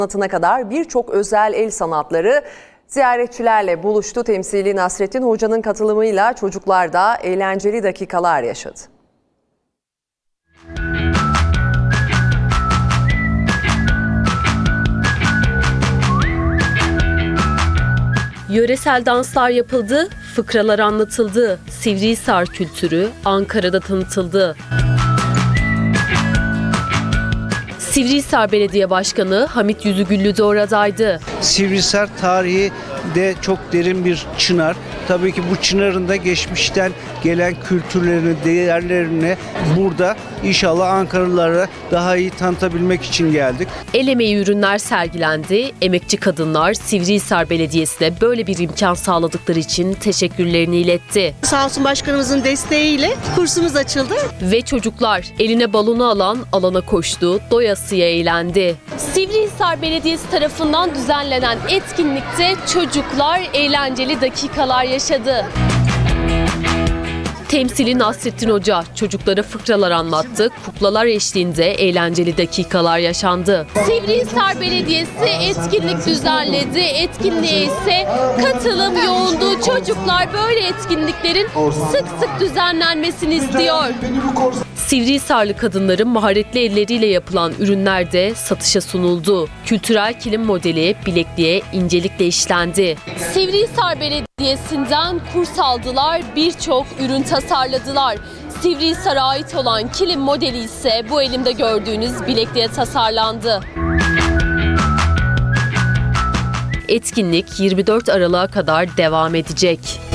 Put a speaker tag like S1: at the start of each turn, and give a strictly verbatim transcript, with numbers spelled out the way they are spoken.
S1: Sanatına kadar birçok özel el sanatları ziyaretçilerle buluştu. Temsili Nasrettin Hoca'nın katılımıyla çocuklar da eğlenceli dakikalar yaşadı.
S2: Yöresel danslar yapıldı, fıkralar anlatıldı, Sivrihisar kültürü Ankara'da tanıtıldı. Sivrihisar Belediye Başkanı Hamit Yüzügüllü de oradaydı.
S3: Sivrihisar tarihi de çok derin bir çınar. Tabii ki bu çınarın da geçmişten gelen kültürlerini, değerlerini burada inşallah Ankaralılara daha iyi tanıtabilmek için geldik.
S2: El emeği ürünler sergilendi. Emekçi kadınlar Sivrihisar Belediyesi'ne böyle bir imkan sağladıkları için teşekkürlerini iletti.
S4: Sağ olsun başkanımızın desteğiyle kursumuz açıldı.
S2: Ve çocuklar eline balonu alan alana koştu, doyasıya eğlendi. Sivrihisar Belediyesi tarafından düzenlenen etkinlikte çocuklar eğlenceli dakikalar yaşadı. Temsili Nasrettin Hoca çocuklara fıkralar anlattı, kuklalar eşliğinde eğlenceli dakikalar yaşandı. Sivrihisar Belediyesi etkinlik düzenledi, etkinliğe ise katılım yoğundu. Çocuklar böyle etkinliklerin sık sık düzenlenmesini istiyor. Sivrihisarlı kadınların maharetli elleriyle yapılan ürünler de satışa sunuldu. Kültürel kilim modeli bilekliğe incelikle işlendi. Sivrihisar Belediyesi'nden kurs aldılar, birçok ürün tasarladılar. Sivrihisar'a ait olan kilim modeli ise bu elimde gördüğünüz bilekliğe tasarlandı. Etkinlik yirmi dört Aralık'a kadar devam edecek.